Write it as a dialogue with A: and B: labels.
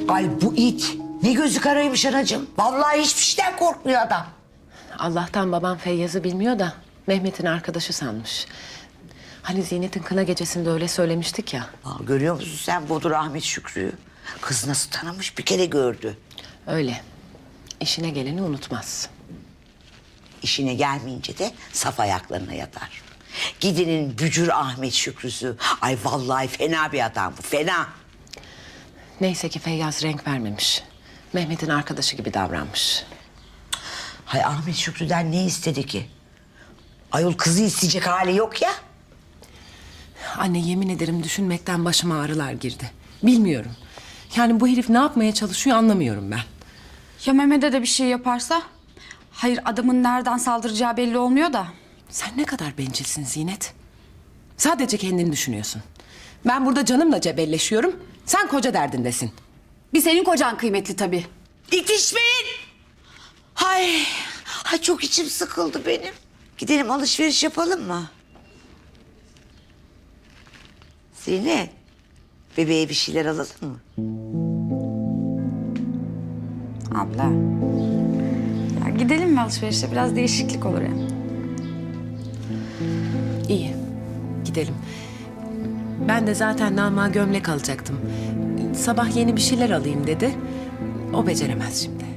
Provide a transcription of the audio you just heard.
A: Ay bu it ne gözü karaymış anacığım. Vallahi hiçbir şeyden korkmuyor adam.
B: Allah'tan babam Feyyaz'ı bilmiyor da Mehmet'in arkadaşı sanmış. Hani Zinet'in kına gecesinde öyle söylemiştik ya.
A: Aa, görüyor musun sen Bodur Ahmet Şükrü'yü? Kız nasıl tanımış bir kere gördü.
B: Öyle. İşine geleni unutmaz.
A: İşine gelmeyince de saf ayaklarına yatar. Gidenin bücür Ahmet Şükrü'sü. Ay vallahi fena bir adam bu, fena.
B: Neyse ki Feyyaz renk vermemiş. Mehmet'in arkadaşı gibi davranmış.
A: Hay Ahmet Şükrü'den ne istedi ki? Ayol kızı isteyecek hali yok ya.
B: Anne yemin ederim düşünmekten başıma ağrılar girdi. Bilmiyorum. Yani bu herif ne yapmaya çalışıyor anlamıyorum ben.
C: Ya Mehmet'e de bir şey yaparsa? Hayır, adamın nereden saldıracağı belli olmuyor da.
B: Sen ne kadar bencilsin Zinet. Sadece kendini düşünüyorsun. Ben burada canımla cebelleşiyorum. Sen koca derdindesin.
C: Bir senin kocan kıymetli tabii.
A: İtişmeyin. Hay çok içim sıkıldı benim. Gidelim alışveriş yapalım mı? Zeynep, bebeğe bir şeyler alalım mı?
C: Abla. Ya gidelim mi alışverişe? Biraz değişiklik olur ya.
B: İyi. Gidelim. Ben de zaten Nama gömlek alacaktım. Sabah yeni bir şeyler alayım dedi. O beceremez şimdi.